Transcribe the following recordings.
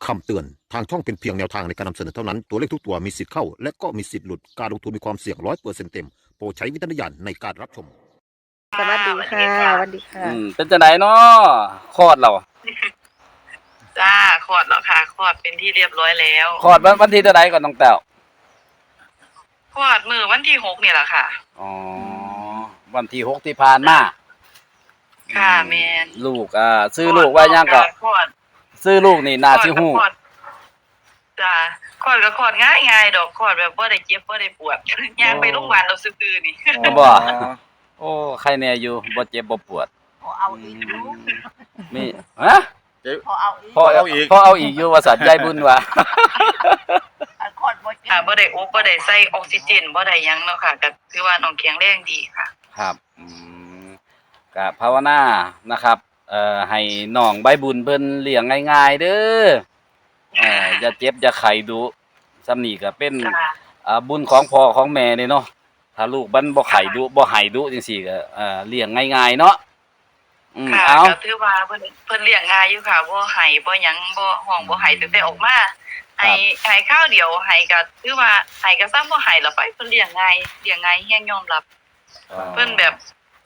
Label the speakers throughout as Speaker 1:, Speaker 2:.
Speaker 1: คำเตือนทางช่องเป็นเพียงแนวทางในการนำเสนอเท่านั้นตัวเลขทุกตัวมีสิทธิ์เข้าและก็มีสิทธิ์หลุดการลงทุนมีความเสี่ยง100%เต็มโปรดใช้วิจารณญาณในการรับชม
Speaker 2: สวัสดีค่ะสวัสดีค่ะ
Speaker 3: เป็นจังไดเนาะคลอดเรา
Speaker 4: จ้าคลอดแล้วค่ะคลอดเป็นที่เรียบร้อยแล้ว
Speaker 3: คลอดวันที่เท่าใดก่อนน้องแต้ว
Speaker 4: คลอดมื้อวันที่6นี่แหละค่ะ
Speaker 3: อ๋อวันที่6ที่ผ่านมา
Speaker 4: ค่ะแม่น
Speaker 3: ลูกชื่อลูกว่าหยังก็
Speaker 4: คลอด
Speaker 3: ชื่อลูกนี่น่าสิฮู้
Speaker 4: จ้าคลอดก็คลอดง่ายๆดอกคลอดแบบบ่ได้เจ็บบ่ได้ปวดย่างไปโรงพยาบาลเอาซื่อๆนี่
Speaker 3: บ่โอ้ใครแน่อยู่บ่เจ็บบ่ปวด
Speaker 2: พอเอาอีก
Speaker 3: มีฮะ
Speaker 2: พอเอาอีก
Speaker 3: พอเอาอีกอยู่ว่าสัตว์ยายบุญว่า
Speaker 2: คลอดบ่
Speaker 4: ค่ะบ่ได้บ่ได้ใส่ออกซิเจนบ่ได้หยังเนาะค่ะก็คือว่าน้องแข็งแรงดีค่ะ
Speaker 3: ครับก็ภาวนานะครับให้น้องใบบุญเพิ่นเลี้ยงง่ายๆเด้ออย่าเจ็บอย่าไข้ดุซ้ำนี่ก็เป็นบุญของพ่อของแม่นี่เนาะถ้าลูกมันบ่ไข้ดุบ่ไห้ดุจังซี่ก็เลี้ยงง่ายๆเนาะ
Speaker 4: ค่ะก็ถือว่าเพิ่นเลี้ยงง่ายอยู่ค่ะบ่ไห้บ่หยังบ่ห้องบ่ไห้ตั้งแต่ออกมาให้ข้าวเดียวให้ก็ถือว่าให้ก็ซ้ำบ่ไห้แล้วไปเพิ่นเลี้ยงง่ายแฮงยอมรับเพิ่นแบบ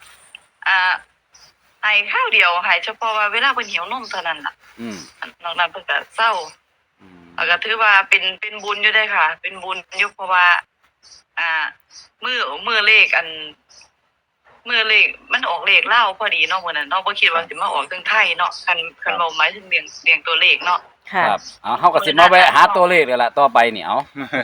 Speaker 4: ให้ข้าวเดียวให้เฉพาะว่าเวลาเพิ่นหิวนมเท่านั้นล่ะนอกนั้นเพิ่นก็เศร้าแล้วก็ถือว่าเป็นบุญอยู่ได้ค่ะเป็นบุญอยู่เพราะว่ามื้อเลขมื้อเลขมันออกเลขลาวพอดีเนาะมื้อนั้นเนาะบ่คิดว่าสิมาออกทางไทยเนาะคันเว้าหมายถึงเรียงตัวเลขเนาะ
Speaker 3: ครับเฮาก็สิมาแวะหาตัวเลขนี่ล่ะต่อไปนี่เอา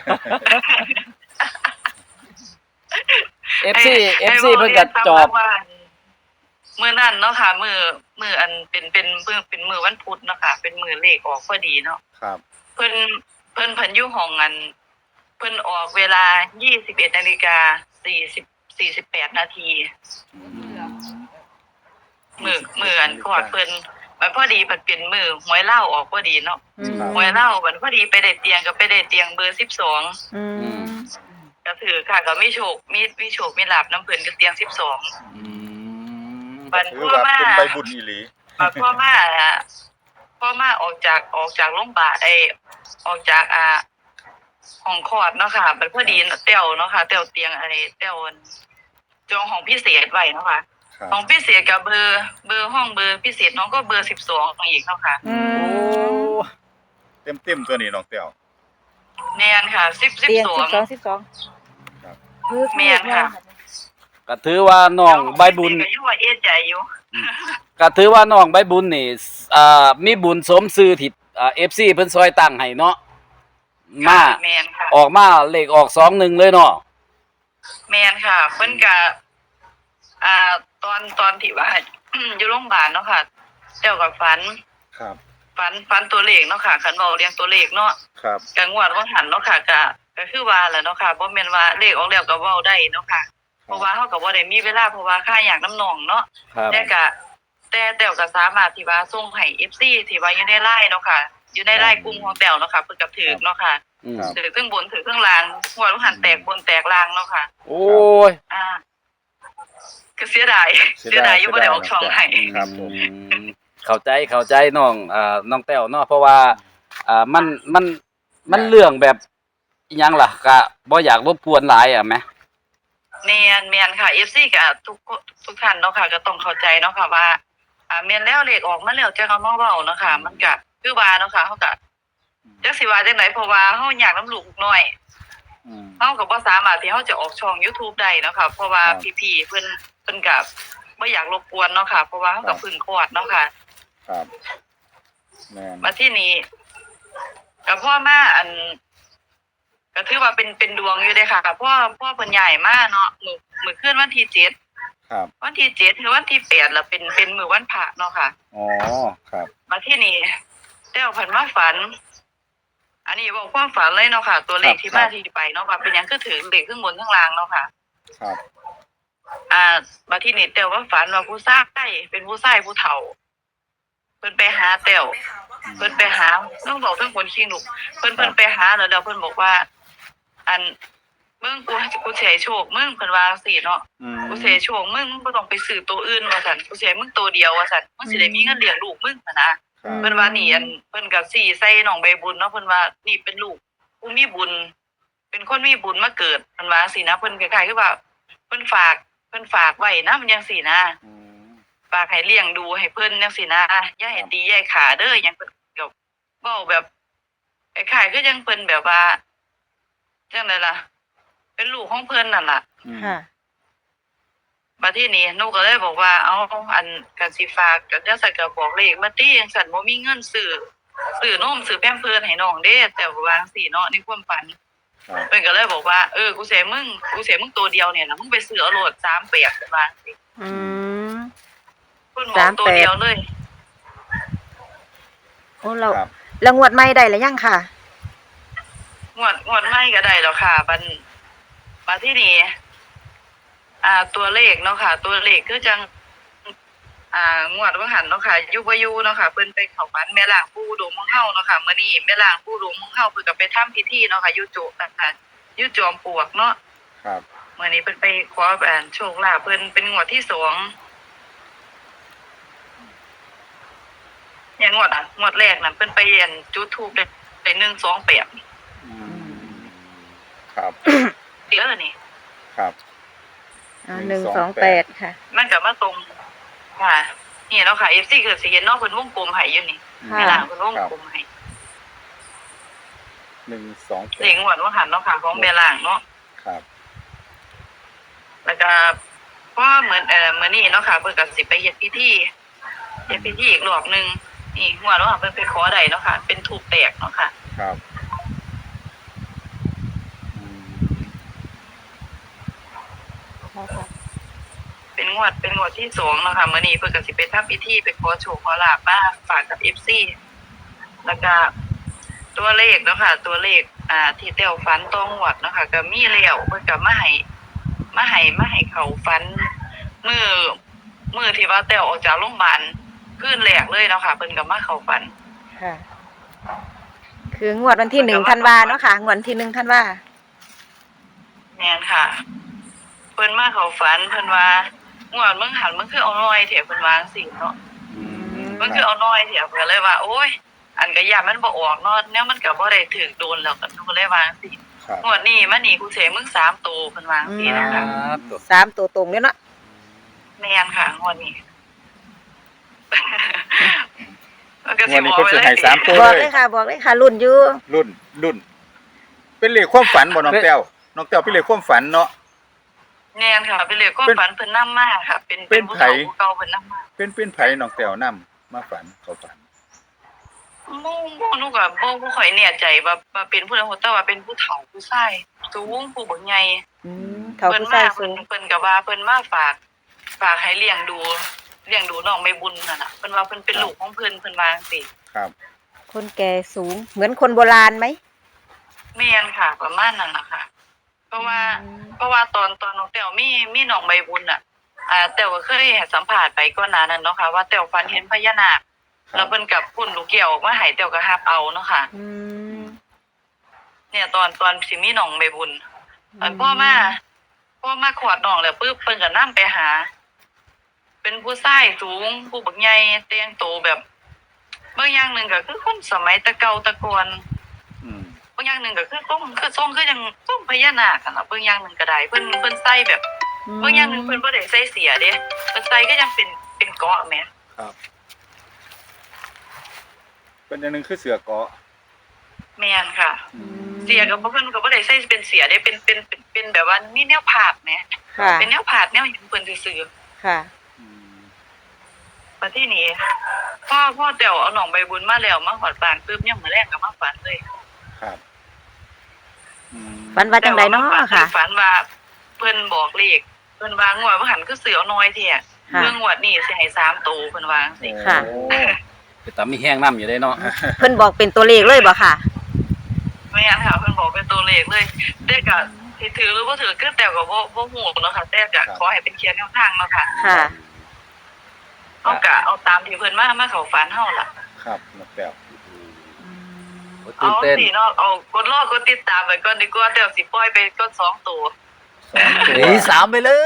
Speaker 3: FC เพิ่นก็จอบ
Speaker 4: มื้อนั้นเนาะค่ะมื้ออันเป็นมื้อวันพุธเนาะค่ะเป็นมื้อเลขออกพอดีเนาะ
Speaker 3: ครับ
Speaker 4: เพิ่นอยู่ห้องอันเพิ่นออกเวลา 21:48 น.มื้ออันคลอดเพิ่นมันพอดีมันเป็นมื้อหวยลาวออกพอดีเนาะหวยลาวมันพอดีไปได้เตียงก็ไปได้เตียงเบอร์12ก็ถือค่ะก็มีโชคมีลาภนำเพิ่นก็เตียง12บัดพ่อมา
Speaker 5: เป็นใบบุญอีหลี
Speaker 4: พ่อมาออกจากโรงพยาบาลออกจากห้องคลอดเนาะค่ะบัดพอดีแต้วเนาะค่ะแต้วเตียงแต้วจองห้องพิเศษไว้เนาะค่ะห้องพิเศษกับเบอร์ห้องเบอร์พิเศษน้องก็เบอร์12อีกเนาะค่ะ
Speaker 5: โอ้เต็มตัวนี้น้องแต้ว
Speaker 4: แม่นค่ะ12
Speaker 2: ครับ
Speaker 4: แม่นค่ะ
Speaker 3: ก็ถือว่าน้องใบบุญ
Speaker 4: ก็อยู่ว่าเอ๊ะใจอยู่
Speaker 3: ก็ถือว่าน้องใบบุญนี่มีบุญสมชื่อที่FC เพิ่นซอยตั้งให้เนาะมา
Speaker 4: แม่นค่ะ
Speaker 3: ออกมาเลขออก21เลยเนาะ
Speaker 4: แม่นค่ะเพิ่นก็ตอนที่ว่าอยู่โรงพยาบาลเนาะค่ะแต้วก็ฝัน
Speaker 5: ครับ
Speaker 4: ฝันตัวเลขเนาะค่ะคันเว้าเรียงตัวเลขเนาะ
Speaker 5: ครับ
Speaker 4: ก็งวดว่าหันเนาะค่ะก็คือว่าแหละเนาะค่ะบ่แม่นว่าเลขออกแล้วก็เว้าได้เนาะค่ะเพราะว่าเฮาก็บ่ได้มีเวลาเพราะว่าค่าอยากน้ำน้องเนาะแต่แต้วก็สามารถที่ว่าส่งให้ FC ที่ว่าอยู่ใน LINE เนาะค่ะอยู่ใน LINE กลุ่มของแต้วเนาะค่ะเพิ่นก็ถูกเนาะค่ะถูกทั้งบนถูกทั้งล่างงวดว่าหันแตกบนแตกล่างเนาะค่ะ
Speaker 3: โอ้ย
Speaker 4: ก็เสียดายอยู่บ่ได้ออกช่องให้
Speaker 5: ครับผม
Speaker 3: เข้าใจน้องแต้วเนาะเพราะว่ามันเรื่องแบบอิหยังล่ะก็บ่อยากรบกวนหลายแหม
Speaker 4: แม่นค่ะ FC ก็ทุกท่านเนาะค่ะก็ต้องเข้าใจเนาะค่ะว่าแม่นแล้วเลขออกมาแล้วจังเอามาเว้าเนาะค่ะมันก็คือว่าเนาะค่ะเฮาก็จักสิว่าจังได๋เพราะว่าเฮาอยากนำลูกน้อยเฮาก็บ่สามารถที่เฮาจะออกช่อง YouTube ได้เนาะค่ะเพราะว่าพี่ๆเพิ่นก็บ่อยากรบกวนเนาะค่ะเพราะว่าเฮาก็เพิ่งคลอดเนาะค่ะ
Speaker 5: ครับแม่น
Speaker 4: มาที่นี้ก็พ่อมาก็ถือว่าเป็นดวงอยู่เด้ค่ะพ่อเพิ่นย้ายมาเนาะมื้อคืนวันที่7
Speaker 5: ครับ
Speaker 4: วันที่7ถึงวันที่8แล้วเป็นมื้อวันพระเนาะค่ะ
Speaker 5: อ๋อครับ
Speaker 4: มาที่นี่แต้วเพิ่นมาฝันอันนี้บอกความฝันเลยเนาะค่ะตัวเลขที่มาที่ไปเนาะว่าเป็นหยังคือถึงเลขข้างบนข้างล่างเนาะค่ะ
Speaker 5: ครับ
Speaker 4: มาที่นี่แต้วว่าฝันว่าผู้ชายเป็นผู้ชายผู้เฒ่าเพิ่นไปหาแต้วเพิ่นไปหาต้องบอกทั้งคนขี้ลูกเพิ่นไปหาแล้วเพิ่นบอกว่าอันมึงกูสิให้โชคมึงเพิ่นว่าจังซี่เนาะกูสิให้โชคมึงบ่ต้องไปซื้อตัวอื่นว่าซั่นกูสิให้มึงตัวเดียวว่าซั่นมึงสิได้มีเงินเลี้ยงลูกมึงนะ
Speaker 5: ครับ
Speaker 4: เพิ่นว่านี่อันเพิ่นก็สิใส่น้องใบบุญเนาะเพิ่นว่านี่เป็นลูกผู้มีบุญ เป็นคนมีบุญมาเกิดเพิ่นว่าจังซี่นะเพิ่นคล้ายๆคือว่าเพิ่นฝากไว้นะมันจังซี่นะ
Speaker 5: อืม
Speaker 4: ฝากให้เลี้ยงดูให้เพิ่นจังซี่นะอย่าให้ตีอย่าให้ขาเด้อหยังเพิ่นก็เว้าแบบคล้ายๆคือจังเพิ่นแบบว่าจังไดล่ะ เป็นลูกของเพิ่นนั่นล่ะ
Speaker 5: อืม
Speaker 6: ค่ะ
Speaker 4: บัดทีนี้หนูก็เลยบอกว่าเอาอันกันสิฝากก็จังซั่นก็บอกเลขมาติจังซั่นบ่มีเงินซื้อนมซื้อแพมเพิร์สให้น้องเด้แต่ว่าจังซี่เนาะในความฝัน
Speaker 5: ครับ
Speaker 4: เพิ่นก็เลยบอกว่ากูเสียมึงตัวเดียวเนี่ยนะมึงไปซื้อเอาโลด3แปดเพิ่นว่าจังซี่
Speaker 6: อืม
Speaker 4: เพิ่นบอกตัวเดียวเลย
Speaker 6: โอ้เรา
Speaker 5: ครับ
Speaker 6: แล้วงวดใหม่ได้แล้วยังค่ะ
Speaker 4: งวดใหม่ก็ได้แล้วค่ะบัดทีนี้ตัวเลขเนาะค่ะ ตัวเลขคือจังงวดว่าหันเนาะค่ะอยู่บ่อยู่เนาะค่ะเพิ่นไปเข้าฝันแม่ล่างปู่อุดมของเฮาเนาะค่ะมื้อนี้แม่ล่างปู่อุดมของเฮาเพิ่นก็ไปทำพิธีเนาะค่ะอยู่โจนะคะอยู่จอมปลวกเนาะ
Speaker 5: ครับ
Speaker 4: มื้อนี้เพิ่นไปขอโชคลาภเพิ่นเป็นงวดที่2อย่างงวดแรกน่ะเพิ่นไปจุดธูปได้128
Speaker 5: อืมครับ
Speaker 4: เดี๋ยวนี่
Speaker 5: ครับ
Speaker 6: 128 ค่ะ
Speaker 4: มันก็มาตรงค่ะนี่เนาะค่ะ FC คือสิเห็นเนาะเพิ่นวงกลมให้อยู่นี่
Speaker 6: ค่ะ
Speaker 4: แม่ล่างเพิ่นวงกลมให้
Speaker 5: 128
Speaker 4: เลขงวดว่าหันเนาะค่ะของแม่ล่างเนาะ
Speaker 5: ครับ
Speaker 4: แล้วก็พอเหมือนมื้อนี้เนาะค่ะเพิ่นก็สิไปเฮ็ดพิธีอีกรอบนึงนี่งวดว่าหันเพิ่นไปขอได้เนาะค่ะ เป็นทูปแตกเนาะค่ะ
Speaker 5: ครับอืม
Speaker 4: เป็นงวดที่2เนาะค่ะมื้อนี้เพิ่นก็สิไปทำพิธีไปขอโชคขอลาภมาฝากกับ FC แล้วก็ตัวเลขเนาะค่ะ ตัวเลขที่แต้วฝันตองวดเนาะค่ะก็มีแล้วเพิ่นก็มาให้เขาฝันมื้อที่ว่าแต้วออกจากโรงพยาบาลคืนแรกเลยเนาะค่ะเพิ่นก็มาเข้าฝัน
Speaker 6: ค่ะ คืองวดวันที่1ธันวาเนาะค่ะ งวดวันที่1ธันวา
Speaker 4: แม่นค่ะ เพิ่นมาเข้าฝันเพิ่นว่างวดมึงหันมึงคือเอาน้อยแท้เพิ่นว่าจังซี่เนาะ
Speaker 5: อืม
Speaker 4: มันคือเอาน้อยแท้เพิ่นเลยว่า โอ้ย อันก็ย่านมันบ่ออกเนาะแนวมันก็บ่ได้ถูกโดนแล้วก็หนูก็เลยว่าจังซี่
Speaker 5: ครับ
Speaker 4: งวดนี้มานี่กูสิให้มึง3โตเพิ่นว่าจังซี่นะคะ
Speaker 3: ตัว
Speaker 6: 3ตัวตรงเลยเนาะ
Speaker 4: แม่นค่ะงวดนี้ มันก็
Speaker 5: วันนี้เพิ่นสิให้3ตัว
Speaker 6: บอก
Speaker 5: เล
Speaker 6: เลย ยค่ะ บอกเลยค่ะ รุ่นอยู่
Speaker 5: รุ่น เป็นเลขความฝันบ่น้องแต้วน้องแต้วเป็นเลขความฝันเนาะ
Speaker 4: แม่นค่ะเป็นเลขความฝันเพิ่นนำมาค่ะ เป็น
Speaker 5: เป็น
Speaker 4: ผู้
Speaker 5: ไผ
Speaker 4: เฒ่าผู้เก่าเพิ่นนำมา
Speaker 5: เป็นไผน้องแต้วนํมาฝันเขาฝัน
Speaker 4: บ่หนูก็บ่ค่อยแน่ใจว่าเป็นผู้ใดแต่ว่าเป็นผู้เฒ่าผู้ชายสูงผู้บักใหญ่
Speaker 6: เฒ่า
Speaker 4: เพิ่น
Speaker 6: ผู้
Speaker 4: มา
Speaker 6: ชาย
Speaker 4: เพิ่
Speaker 6: สู
Speaker 4: น
Speaker 6: ง
Speaker 4: เพิ่นก็ว่าเพิ่นมาฝากให้เลี้ยงดูน้องใบบุญนั่นน่ะเพิ่นว่าเพิ่นเป็นลูกของเพิ่นว่าจังซี่
Speaker 5: ครับ
Speaker 6: คนแก่สูง เหมือนคนโบราณไหม
Speaker 4: แม่นค่ะ ประมาณนั้นล่ะค่ะ เพราะว่าตอนน้องแต้วมีน้องใบบุญน่ะแต้วก็เคยให้สัมภาษณ์ไปก่อนหน้านั้นเนาะค่ะว่าแต้วฝันเห็นพญานาค
Speaker 5: ครับ
Speaker 4: แล้วเพิ่นกับพุ่นลูกแก้วออกมาให้แต้วก็รับเอาเนาะค่ะ
Speaker 6: อืม
Speaker 4: เนี่ยตอนสิมีน้องใบบุญพ่อมาขวดน้องแล้วปึ๊บเพิ่นก็นำไปหา เป็นผู้ชายสูงผู้บักใหญ่แต่งโตแบบบางอย่างหนึงก็คือคนสมัยแตะเก่าแตะก่อน
Speaker 5: อืม
Speaker 4: บางอย่างหนึงก็คือทรงคือจังทรงพญานาคอะล่ะบางอย่างหนึงก็ได้เพิ่นใส่แบบบางอย่างหนึงเพิ่นบ่ได้ใส่เสียเด้เพิ่นใส่ก็ยังเป็นเกราะแหม
Speaker 5: ครับเป็นอย่างหนึงคือเสือเกาะ
Speaker 4: แม่นค่ะ
Speaker 5: อืม
Speaker 4: เสียก็บ่เพิ่นก็บ่ได้ใส่เป็นเสียเด้เป็นแบบว่ามีแนวผาดแหม
Speaker 6: ค่ะ
Speaker 4: เป็นแนวผาดแนวหยังเพิ่นซื่อๆ
Speaker 6: ค่ะ
Speaker 5: อืม
Speaker 4: มาที่นี่พ่อแต้วเอาหนองใบบุญมาแล้วมาหอดบ้านปึ๊บยังมื้อแรกก็มาฝันเลย
Speaker 5: ครับอืม
Speaker 6: ฝันว่าจังไดเนาะค่ะ
Speaker 4: ฝันว่าเพิ่นบอกเลขเพิ่นว่างวดว่าหันคือเสือเอาน้อยแท้
Speaker 6: ค่ะ
Speaker 4: เรื่องงวดนี้สิให้3โตเพิ่นว่าจังซี่
Speaker 6: ค่ะ
Speaker 5: โอ้
Speaker 3: คือตามีแห้งน้ำอยู่ได้เนาะ
Speaker 6: เพิ่นบอกเป็นตัวเลขเลยบ่ค่ะ
Speaker 4: แม่นค่ะเพิ่นบอกเป็นตัวเลขเลยแต่ก็สิถือหรือบ่ถือคือแต่ก็บ่ฮู้เนาะค่ะแต่ก็ขอให้เป็นเขียนแนวทางเนาะค่ะ
Speaker 6: ค่ะ
Speaker 4: เฮาก็เอาตามที่เพิ่นมาเข้าฝันเฮาล่ะ
Speaker 5: ครับน้องแต้ว
Speaker 3: โอ้
Speaker 4: เอา
Speaker 3: ตื่นเต้น
Speaker 4: สิเนาะเอากดติดตามไว้ก่อนดีกว่าแต่สิปล่อยไปก่อน2ตัว
Speaker 5: สองตัว
Speaker 3: หนีสามไปเลย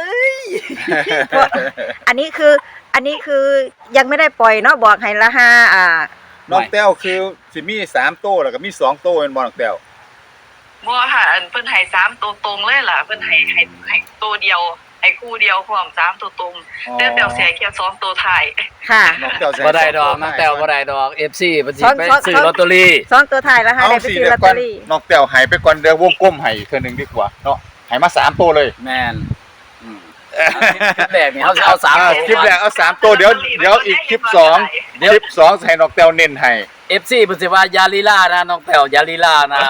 Speaker 6: อันนี้คือยังไม่ได้ปล่อยเนาะบอกให้ละห้า
Speaker 5: น้องแต้วคือสิมี3โต้แล้วก็มี2โต้แม่นบ่น้องแต้ว
Speaker 4: บ่ค่ะอันเพิ่นให้3ตัวตรงเลยล่ะเพิ่นให้ตัวเดียวให้คู่เดียวพร้อม3ตัวตรงแต่แต้วเสียแค่2ตัวท้าย
Speaker 6: ค่ะ
Speaker 5: น้องแต้วใส่
Speaker 3: บ่ได้ดอกน้องแต้วบ่ได้ดอก FC เพิ่นสิไปซื้อลอตเตอรี่
Speaker 6: สองตัวถ่ายแล้วค่ะ
Speaker 5: เอา
Speaker 6: ได้ไป
Speaker 5: สิ
Speaker 6: ซื้อ
Speaker 5: เดี๋
Speaker 6: ล
Speaker 5: ย
Speaker 6: อต
Speaker 5: วก่
Speaker 6: เต
Speaker 5: อ
Speaker 6: อน รี่
Speaker 5: น้องแต้วให้ไปก่อนเดี๋ยววงกลมให้อีกเทื่อนึงดีกว่าเนาะให้มา3โต้เลย
Speaker 3: แม่นคลิปแรกนี่เขาจะเอา3ตัว
Speaker 5: คลิปแรกเอา3โต้เดี๋ยวอีกคลิป2คลิป2ให้น้องแต้วเน้นให้
Speaker 3: FC เพิ่นสิว่ายาลีลานะน้องแต้วยาลีลานะ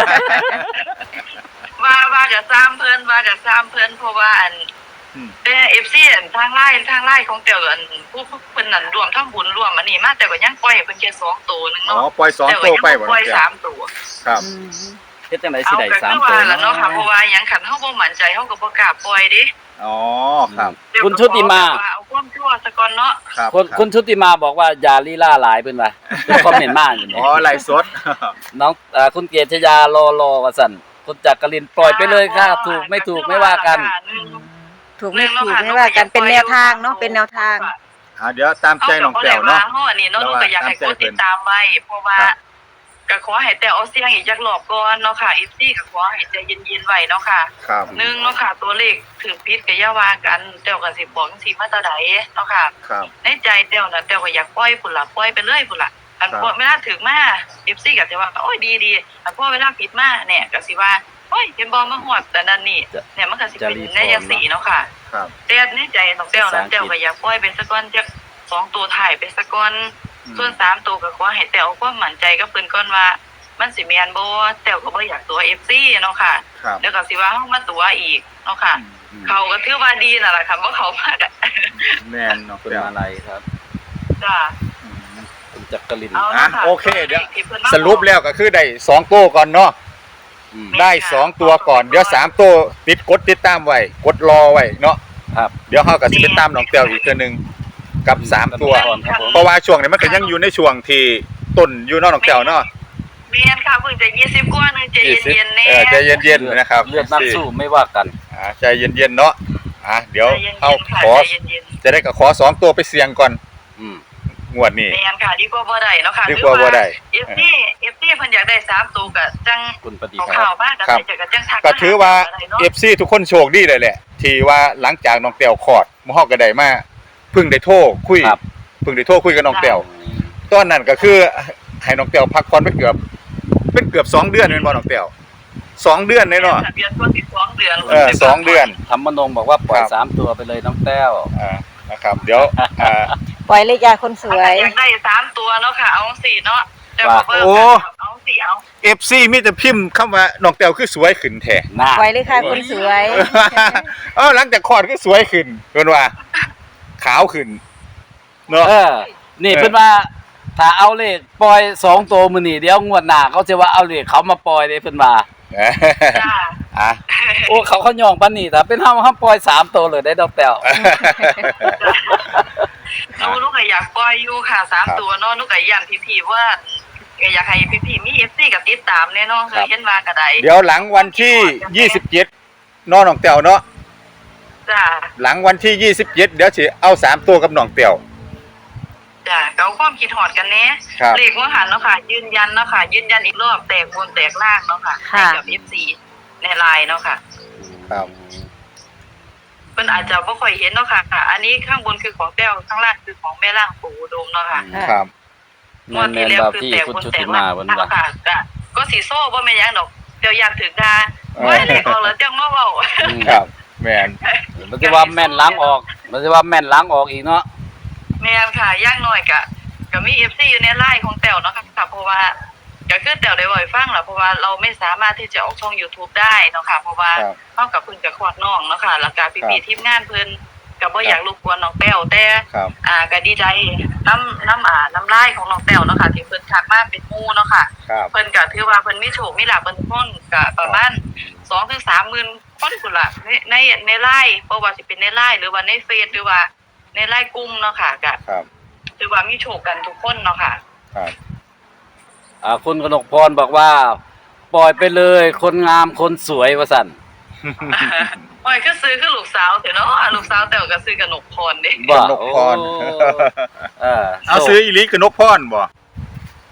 Speaker 4: ว่ากับ3เพิ่นเพราะว่าอันแต่ FC อันทางไลน์ของแต้วอันผู้เพิ่นนั่นรวมทำบุญรวมอันนี้มาแต่ก็ยังปล่อยให้เพิ่นแค่2ตัวนึง
Speaker 5: อ๋อ
Speaker 4: เนาะ
Speaker 5: ปล่อย2โต้ไปบ่
Speaker 4: ป
Speaker 5: น้
Speaker 4: ล่
Speaker 5: อ
Speaker 4: อง ย
Speaker 5: แต้ว
Speaker 4: 3ตัว
Speaker 5: ครับ
Speaker 3: เฮ็ดจังได๋สิ
Speaker 4: เอา
Speaker 3: ได้
Speaker 4: ก็คือ
Speaker 3: 3ตัว
Speaker 4: ว่าล่ะเนาะค่ะเพราะว่าหยังคันเฮาบ่มั่นใจเฮาก็บ่กล้าปล่อยเด้
Speaker 5: อ๋อครับ
Speaker 3: คุณชุติมา
Speaker 4: เอาความชั่วซะก่อนเนาะ
Speaker 5: ครับ
Speaker 3: คุณชุติมาบอกว่าอย่าลีลาหลายเพิ่นว่าเพิ่นคอมเมนต์มาอยู่นี่
Speaker 5: อ๋อไลฟ์สด
Speaker 3: น้องคุณเกียรติยารอว่าซั่นคุณจักรินทร์ปล่อยไปเลยค่ะถูกไม่ถูกไม่ว่ากัน
Speaker 6: ถูกไม่ถูกไม่ว่ากันเป็นแนวทางเนาะเป็นแนวทาง
Speaker 5: เดี๋ยวตามใจน้องแต้วเนาะ
Speaker 4: เฮาอันนี้เนาะก็อยากให้กดติดตามไว้เพราะว่าก็ขอให้แต่เอาเสียงอีกจักรอบก่อนเนาะค่ะ FC ก็ขอให้ใจเย็นๆไว้เนาะค่ะ
Speaker 5: ครับ
Speaker 4: 1เนาะค่ะตัวเลขถึงผิดก็อย่าว่ากันแต้วก็สิบอกจังซี่มาแต่ใดเนาะค่ะ
Speaker 5: ครับ
Speaker 4: ในใจแต้วน่ะแต้วก็อยากปล่อยพุ่นล่ะปล่อยไปเลยพุ่นล่ะอัน
Speaker 5: ครับ
Speaker 4: พอเวลาถึงมา FC ก็จะว่าโอ้ยดีๆอันพอเวลาผิดมาเนี่ยก็สิว่าโอ้ยเห็นบ่มาฮอดแต่นั่นนี่เนี่ยมันก็สิเป็นในจังซี่เนาะค่ะ
Speaker 5: ครับ
Speaker 4: แต่ในใจของแต้วนะแต้วก็อยากปล่อยไปสักก้อนจัก2ตัวถ่ายไปสักก้อนส่วน3ตัวก็ขอให้แต้วเอาความมั่นใจกับเพิ่นก่อนว่ามันสิแม่นบ่แต้วก็บ่อยากตัว FC เนาะค่ะ
Speaker 5: ครับ
Speaker 4: แล้วก็สิว่าเฮามาตัวอีกเนาะค่ะ เขาก็ถือว่าดีนั่นล่ะค่ะบ่เขามากอะ
Speaker 5: แม่นน้อง
Speaker 3: คุณ
Speaker 5: แต้ว
Speaker 3: มาลัยครับ
Speaker 4: จ้า
Speaker 3: คุณจักรินทร์
Speaker 4: เอา
Speaker 5: อ่ะ
Speaker 4: ละค่ะ
Speaker 5: โอเคเดี๋ยว
Speaker 4: ที่พิ่นมา
Speaker 5: สรุปแล้วก็คือได้2โต้ก่อนเนาะ
Speaker 3: อืม
Speaker 5: ได้2ตัวก่อนเดี๋ยว3โต้ติดตามไว้กดรอไว้เนาะ
Speaker 3: ครับ
Speaker 5: เดี๋ยวเฮาก็สิไปตามน้องแต้วอีกเทื่อนึงกับ3ตัว
Speaker 3: ก่อนครับผม
Speaker 5: เพราะว่าช่วงนี้มันก็ยังอยู่ในช่วงที่ต้นอยู่เนาะน้องแต้วเนาะ
Speaker 4: แม่นค่ะเพิ่งจะ20กว่านึงใจเย็นๆแน่
Speaker 5: ใจเย็นๆนะครับ
Speaker 3: เลือดนักสู้ไม่ว่ากัน
Speaker 5: ใจเย็นๆเนาะเดี๋ยว
Speaker 4: ใจเย็นๆ
Speaker 5: เฮา
Speaker 4: ค่ะ
Speaker 5: ขอ
Speaker 4: ใจเย็น
Speaker 5: จะได้ก็ขอ2ตัวไปเสี่ยงก่อน
Speaker 3: อืม
Speaker 5: งวดนี้
Speaker 4: ๆแม่นค่ะดีกว่าบ่ได้เนาะค่ะ
Speaker 5: ดีกว่าบ่ได้
Speaker 4: เอฟซีเพิ่นอยากได้3ตัวก็จัง
Speaker 3: คุณปฏิ
Speaker 4: เอา
Speaker 3: ครั
Speaker 4: ข่า
Speaker 3: บ
Speaker 4: วมาก็
Speaker 5: ครับ
Speaker 4: ได้ก็จังทัก
Speaker 5: ก็ถือว่า
Speaker 4: ได้เนาะ
Speaker 5: FC ทุกคนโชคดีเลยแหละ ที่ว่าหลังจากน้องแต้วคลอดหมู่เฮาก็ได้มาเพิ่งได้โทรคุย
Speaker 3: ครับ
Speaker 5: เพิ่งได้โทรคุยกับน้องแต้วตอนนั้นก็คือให้น้องแต้วพักผ่อนไปเกือบ2 เดือนแม่นบ่น้องแต้ว2 เดือนเลยเนาะ
Speaker 4: เดือนตัว12เดือน
Speaker 5: 2 เดือน
Speaker 3: ธรรมนงบอกว่าปล่อย
Speaker 5: ครับ
Speaker 3: 3ตัวไปเลยน้องแต้ว
Speaker 5: นะครับเดี๋ยว
Speaker 6: ปล่อยเลยจ้าคนสวย
Speaker 4: อยากได้3ตัวเนาะค่ะเอา4เนาะแต่
Speaker 3: ว่า
Speaker 4: เพิ่ม
Speaker 5: โอ้
Speaker 4: เอา4เอา
Speaker 5: FC มีแต่พิมพ์คำว่าน้องแต้วคือสวยขึ้นแท้
Speaker 3: หน้า
Speaker 6: ปล่อยเลยค่ะคนสวย
Speaker 5: หลังจากคลอดก็สวยขึ้นเพิ่นว่าขาวขึ้นเนาะ
Speaker 3: นี่เพิ่นว่าถ้าเอาเลขปล่อย2ตัวมื้อนี้เดี๋ยวงวดหน้าเขาจะว่าเอาเลขเขามาปล่อยเด้เพิ่นว่า
Speaker 4: จ้า
Speaker 5: อ่ะ
Speaker 3: โอ้เขาย่องปานนี้ถ้าเป็นเฮาปล่อย3ตัวเลยได้ดอกแต้ว
Speaker 4: ลูกก็อยากปล่อยอยู่ค่ะ3ตัวเนาะลูกก็ย้ำพี่ๆว่าก็อยากให้พี่ๆมี FC กับติดตามแน่เนาะเคยเห็นว่าก็ได้
Speaker 5: เดี๋ยวหลังวันที่27เนาะน้องแต้วเนาะ
Speaker 4: จ้า
Speaker 5: หลังวันที่27เดี๋ยวสิเอา3ตัวกับน้องแต้ว
Speaker 4: จ้าก็เอาความคิดฮอดกันแน่
Speaker 5: ครับ
Speaker 4: เลขว่าหันเนาะค่ะยืนยันเนาะค่ะยืนยันอีกรอบแตกบนแตกล่างเนาะค่ะให้กับ FC ในไลน์เนาะค่ะ
Speaker 5: ครับ
Speaker 4: เพิ่นอาจจะบ่ค่อยเห็นเนาะค่ะอันนี้ข้างบนคือของแต้วข้างล่างคือของแม่ล่างปู่อุดมเนาะค่ะ
Speaker 5: ครับ
Speaker 4: งวดที่แล้วคือแตกบนแตกล่างเนาะค่ะก็สิโซ่บ่แม่นหยังดอกเดี๋ยวย่านถึงดาบ่เลขออกแล้วจังมาเว้า
Speaker 5: ครับแม่น
Speaker 3: มันจะว่าแม่นล้างออกมันจะว่าแม่นล้างออกอีกเนาะ
Speaker 4: แม่นค่ะอย่างน้อยก็มี FC อยู่ในไลน์ของแต้วเนาะค่ะเพราะว่าก็คือแต้วได้บ่ให้ฟังล่ะเพราะว่าเราไม่สามารถที่จะออกช่อง YouTube ได้เนาะค่ะเพราะว่า
Speaker 5: ครับ
Speaker 4: เฮากับเพิ่นก็คลอดน้องเนาะค่ะแล้วก็พี่ๆทีมงานเพิ่นก็บ่อยากรบกวนน้องแต้วแต่
Speaker 5: ครับ
Speaker 4: ก็ดีใจน้ำลายของน้องแต้วเนาะค่ะที่เพิ่นทักมาเป็นหมู่เนาะค่ะ
Speaker 5: ครับ
Speaker 4: เพิ่นก็ถือว่าเพิ่นมีโชคมีลาภเพิ่นทุกคนก็ประมาณ 2-3 หมื่นคนพุ่นล่ะในไลน์บ่ว่าสิเป็นในไลน์หรือว่าในเฟซหรือว่าในไลน์กลุ่มเนาะค่ะก็
Speaker 5: ครับ
Speaker 4: ถือว่ามีโชคกันทุกคนเนาะค่ะ
Speaker 5: ครับ
Speaker 3: คุณกนกพรบอกว่า ปล่อยไปเลยคนงามคนสวยว่าซั่น
Speaker 4: โอ้ยคือซื้อคือลูกสาวเถอะเนาะลูกสาวแต้วก็ซื้อกับนกพรเด้
Speaker 3: บ่
Speaker 5: นกพร
Speaker 3: โอ้
Speaker 5: เอาซื้ออีหลีกับนกพรบ่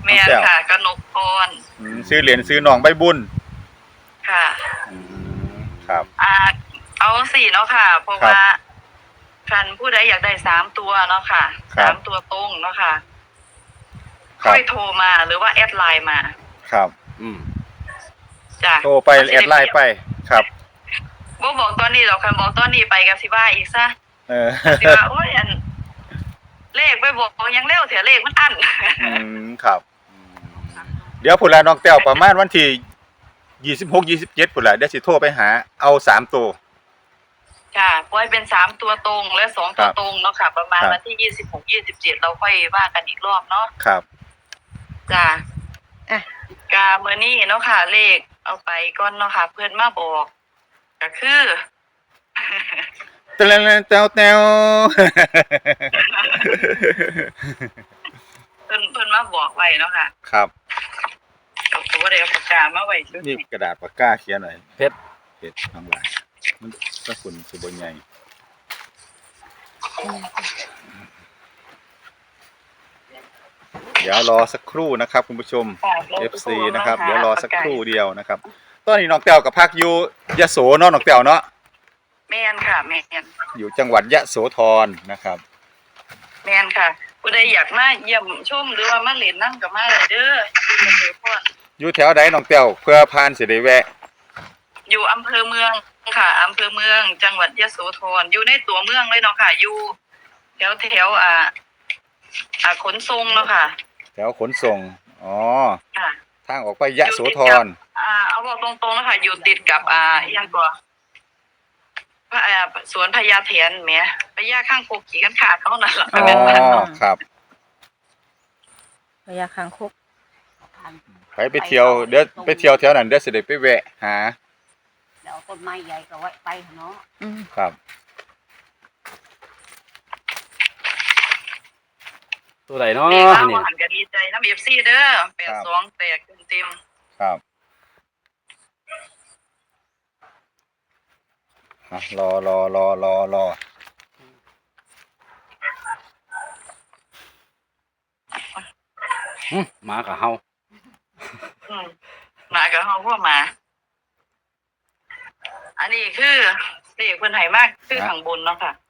Speaker 4: แม่นค่ะกนกพร
Speaker 5: ซื้อเหรียญซื้อน้องใบบุญ
Speaker 4: ค่ะ
Speaker 5: ครับ
Speaker 4: เอาสี่เนาะค่ะ เพราะ
Speaker 5: ครับ
Speaker 4: ว่าคันผู้ใดอยากได้3 ตัวเนาะค่ะ
Speaker 5: ครับ
Speaker 4: 3 ตัวตรงเนาะค่ะ
Speaker 5: ครั
Speaker 4: ค่
Speaker 5: บ
Speaker 4: อยโทรมาหรือว่าแอดไลน์มา
Speaker 5: ครับ
Speaker 4: จ้ะ
Speaker 5: โทรไปแอดไลน์ไปครับ
Speaker 4: บ่บอกตอนนี้หรอกคันบอกตอนนี้ไปก็สิว่าอีกซะ
Speaker 5: เออ
Speaker 4: สิว่าโอ้ยเลขไปบอกยังเร็วเสียเลขมันอั้น
Speaker 5: ครับ เดี๋ยวพุ่นละน้องแต้วประมาณวันที่26 27พุ่นละเดี๋ยวสิโทรไปหาเอา3ตัว
Speaker 4: ค่ะปล่อยเป็น3 ตัวตรงและ2 ตัวตรงเนาะค่ะ ประมาณ
Speaker 5: ครับ
Speaker 4: วันที่26 27เราค่อยว่ากันอีกรอบเนาะ
Speaker 5: ครับ
Speaker 4: จ้ะ
Speaker 6: อ่ะ
Speaker 4: กาเมื่อนี้เนาะค่ะ เลขเอาไปก่อนเนาะค่ะ เพื่อนมาบอกก็คือ
Speaker 5: แต้วแต้วแต้ว
Speaker 4: เพิ่นมาบอกไว้เนาะค่ะ
Speaker 5: ครับ
Speaker 4: เอาตัวได้เอาปากกามาไว้ชุด
Speaker 5: นี่
Speaker 4: นี้
Speaker 5: กระดาษปากกาเขียนหน่อย
Speaker 3: เพชร
Speaker 5: เพชรทั้งหลายมันก็คุณสุบนใหญ่เดี๋ยวรอสักครู่นะครับคุณผู้ชม
Speaker 4: ค่ะ
Speaker 5: FC นะครับเดี๋ยวรอสักครู่เดียวนะครับตอนนี้น้องแต้วกับพักอยู่ยะโสเนาะน้องแต้วเนาะ
Speaker 4: แม่นค่ะแม่น
Speaker 5: อยู่จังหวัดยะโสธรนะครับ
Speaker 4: แม่นค่ะผู้ใดอยากมาเยี่ยมชมหรือว่ามาเล่นน้ำก็มาได้เด้ออยู่ในเมือง
Speaker 5: อยู่แถวใดน้องแต้วเพื่อผ่านสิได้แวะ
Speaker 4: อยู่อำเภอเมืองค่ะอำเภอเมืองจังหวัดยะโสธรอยู่ในตัวเมืองเลยเนาะค่ะอยู่แถวขนส่งเนาะค่ะ
Speaker 5: แถวขนส่งอ๋อ
Speaker 4: ค่ะ
Speaker 5: ทางออกไปยะโสธร
Speaker 4: เอาบอกตรงๆนะคะอยู่ติดกับอิหยังก่อสวนพญาเถนแหมพญาข้างโคกขี่กันขาดเขานั่นล่ะ
Speaker 5: อ๋อ
Speaker 4: แม่นบ้านเนาะ
Speaker 5: ครับ
Speaker 6: พญาคางคก
Speaker 5: ไปเที่ยวเดี๋ยวไปเที่ยวแถวนั้นเดี๋ยวสิได้ไปแวะหา
Speaker 2: เดี๋ยวต้นไม้ใหญ่ก็ไว้ไปเนาะ
Speaker 5: ครับ
Speaker 3: ตัวไหนเนาะ
Speaker 4: นี่ล่า
Speaker 3: นี่
Speaker 4: ว่าหันก็ดีใจน้ำ FC เด้อ82แตกเต็ม
Speaker 5: ครับรอ
Speaker 3: หมากับเฮา
Speaker 4: หมากับเฮาพวกหมา อันนี้คือเลขเพิ่นให้มากคือข้างบนเนาะค่ะ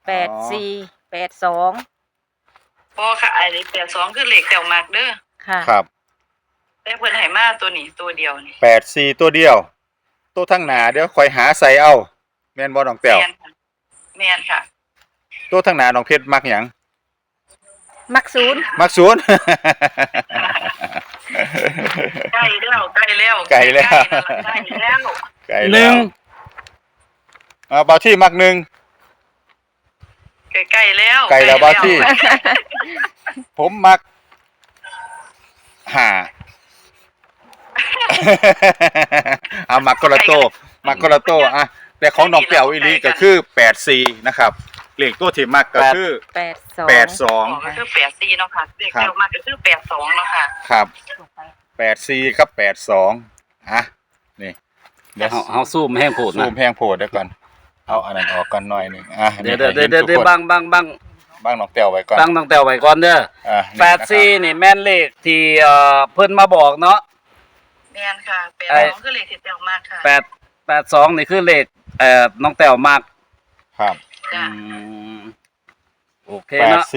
Speaker 6: 8482
Speaker 4: พอค่ะอันนี้82คือเลขแต้วมากเด้อ
Speaker 6: ค่ะ
Speaker 5: ครับ
Speaker 4: แต่เพิ่นให้มาตัวนี้ตัวเดียวนี่
Speaker 5: 84ตัวเดียว ตัวทั้งหน้าเดี๋ยวค่อยหาใส่เอาแม่นบ่น้องแต้ว
Speaker 4: แม่นค่ะแม่นค่ะ
Speaker 5: ตัวทั้งหน้าน้องเพชรมักหยัง
Speaker 6: มักศูนย์
Speaker 5: มักศูนย์
Speaker 4: ใกล้แล้ว
Speaker 5: ใกล้แล้ว
Speaker 4: ใกล้แล้ว
Speaker 5: ไกล
Speaker 3: ห
Speaker 5: แล้
Speaker 3: นึ่ง
Speaker 5: วเบาที่มักหนึ่ง
Speaker 4: ใกล้แล้ว
Speaker 5: ไกลแล้วบ้าที่ ผมมักห้า เอามักกระโตมักกระโตอ่ะแต่ของน้องแป๋วอีหลีก็คือ84นะครับเลขตัวที่มักก็คือ
Speaker 6: 82
Speaker 4: ก็คือ84เนาะค่ะเลขเดียวมากก็คือ82เนาะค่ะ
Speaker 5: ครับ
Speaker 2: ลงไป
Speaker 5: 84กับ82อ่ะนี่
Speaker 3: เดี๋ยวเฮาซูมแห้งโพด
Speaker 5: ซู
Speaker 3: นะ
Speaker 5: มแพงโพดเดี๋ยวก่อนเอาอันนั้นออกกันหน่อยหนึงอ่ะ
Speaker 3: เดี๋ยว
Speaker 5: ให้ห็นทุกคน
Speaker 3: บัง
Speaker 5: บ้างน้องแป๋วไว้ก่อน
Speaker 3: ตั้งแต่ไว้ก่อนเด้อ
Speaker 5: นี่นะครับ
Speaker 3: 84นี่แม่นเลขที่เพิ่นมาบอกเนาะ
Speaker 4: แม่นค่ะ82คือเลขที่เดียวมากค่ะ
Speaker 3: 82นี่คือเลขน้องแต้วมาก
Speaker 5: ครับ
Speaker 4: จ้ะ
Speaker 3: โอเคเนาะ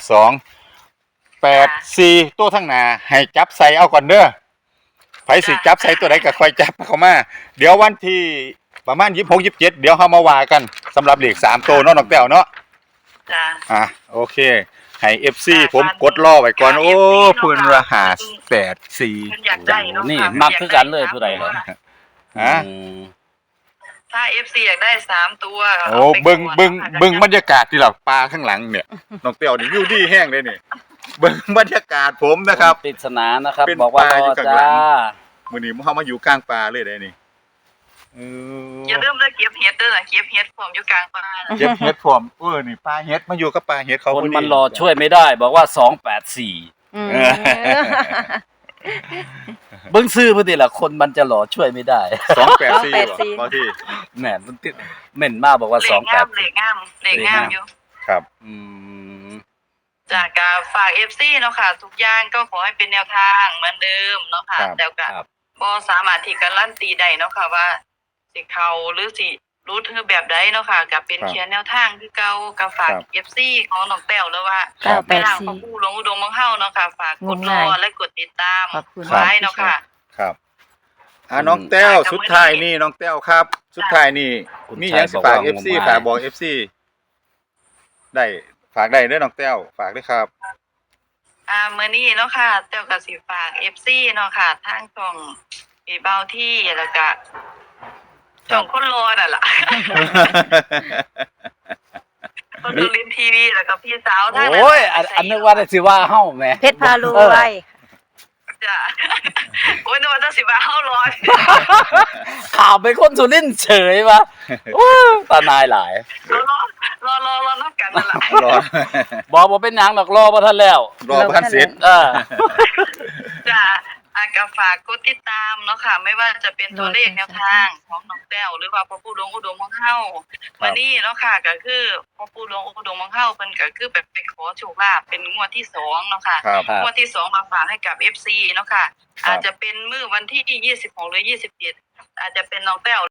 Speaker 5: 84ตัวทั้งหน้าให้จับใส่เอาก่อนเด้อไผสิจับใส่ตัวใดก็ค่อยจับเข้ามาเดี๋ยววันที่ประมาณ26 27เดี๋ยวเฮามาว่ากันสำหรับเลข3ตัวเนาะน้องแต้วเนาะ
Speaker 4: จ้ะ
Speaker 5: โอเคให้ FC ผมกดรอไว้ก่อนโอ้เพิ่นว่า584
Speaker 4: เพิ่นอยากได้เนาะ
Speaker 3: นี่มักคือกันเลยผู้ใดเลย
Speaker 5: ฮะ
Speaker 4: ถ้า FC อยากได้3ตัว
Speaker 5: โอ้เบิ่งบรรยากาศที่เราปลาข้างหลังเนี่ยน้องเตียวนี่อยู่ดีแห้งเลยนี่เบิ่งบรรยากาศผมนะครับ
Speaker 3: ปริศนานะครับ
Speaker 5: เป็น
Speaker 3: บอกว่า
Speaker 5: ปลาร อยู่
Speaker 3: อ
Speaker 5: ข้างหลั
Speaker 3: จ้าง
Speaker 5: มื้อนี้เฮามาอยู่กลางป่าเลยได้นี่
Speaker 4: อย่าลืมเลยเก็บเฮ็ดเด้อเก็บเฮ็ดพร้อมอยู่กลางป่านะ
Speaker 5: เก็บเห็ดผมนี่ปลาเห็ดมาอยู่กับปลาเห็ดเขา
Speaker 3: คน
Speaker 5: พอดี
Speaker 3: มันรอช่วยไม่ได้ บอกว่า284
Speaker 6: อืม
Speaker 3: เบิ่งซื้อพุ่นนี่ล่ะคนมันจะรอช่วยไม่ได้
Speaker 5: 284บ่ที่
Speaker 3: แหม่มันติดเหม็นมากบอกว่า
Speaker 4: เลขงามอยู่
Speaker 5: ครับ
Speaker 3: อืม
Speaker 4: จากการฝาก FC เนาะค่ะทุกอย่างก็ขอให้เป็นแนวทางเหมือนเดิมเนาะค่ะ
Speaker 5: ครับ
Speaker 4: แต่ก็
Speaker 3: ครับ
Speaker 4: บ่สามารถที่การันตีได้เนาะค่ะว่าสิเข้าหรือสิรู้คือแบบใดเนาะค่ะก็เป็น
Speaker 5: ครับ
Speaker 4: เขียนแนวทางคือเก่าก็ฝาก
Speaker 5: ครับ
Speaker 4: FC ของน้องแต้วหรือว่า
Speaker 5: ครับ
Speaker 4: แม่นางพ่อปู่หลวงอุดมของเฮาเนาะค่ะฝากกดรอและกดติดตาม
Speaker 6: ขอบคุณ
Speaker 4: ไว้เนาะค่ะ
Speaker 5: ครับน้องแต้วสุดท้ายนี่น้องแต้วครับ สุดท้ายนี่
Speaker 3: คุณ
Speaker 5: มีหยังสิฝาก
Speaker 3: ชัยบอกว่า
Speaker 5: FC
Speaker 3: งมงาย
Speaker 5: ฝากบอก FC ได้ฝากได้เด้อน้องแต้วฝากด้วยครับ
Speaker 4: มื้อนี้เนาะค่ะแต้วก็สิฝาก FC เนาะค่ะทางช่องพี่เบาที่แล้วก็ช่องคนรอนั่นล่ะ คนดูลินทีวีแล้วก็พี่สาวทาง
Speaker 3: โอ้ยอันนึกว่าได้สิว่าเฮาแหม
Speaker 6: เพชรพารวย
Speaker 4: จ้ะโอ้ยนึกว่าจะสิว่าเฮาร้อย
Speaker 3: ข่าวเป็นคนสุรินทร์เฉยวะโอ้ยตานายหลาย
Speaker 4: รอนับกันนั่นล่ะ
Speaker 5: รอ
Speaker 3: บอกบ่เป็นหยังดอกรอบ่ทันแล้ว
Speaker 5: รอพันเสร็จ
Speaker 4: จ้ะก็ฝากกดติดตามเนาะค่ะ ไม่ว่าจะเป็นตัวเลขแนวทางของน้องแต้วหรือว่าพ่อปู่หลวงอุดมของเฮาวันนี้เนาะค่ะก็คือพ่อปู่หลวงอุดมของเฮาเพิ่นก็คือแบบไปขอโชคลาภเป็นงวดที่2เนาะค่ะ
Speaker 5: ครับ
Speaker 3: ครับ
Speaker 4: งวดที่2มาฝากให้กับ FC เนาะค่ะ
Speaker 5: ครับ
Speaker 4: อาจจะเป็นมื้อวันที่26หรือ27อาจจะเป็นน้องแต้ว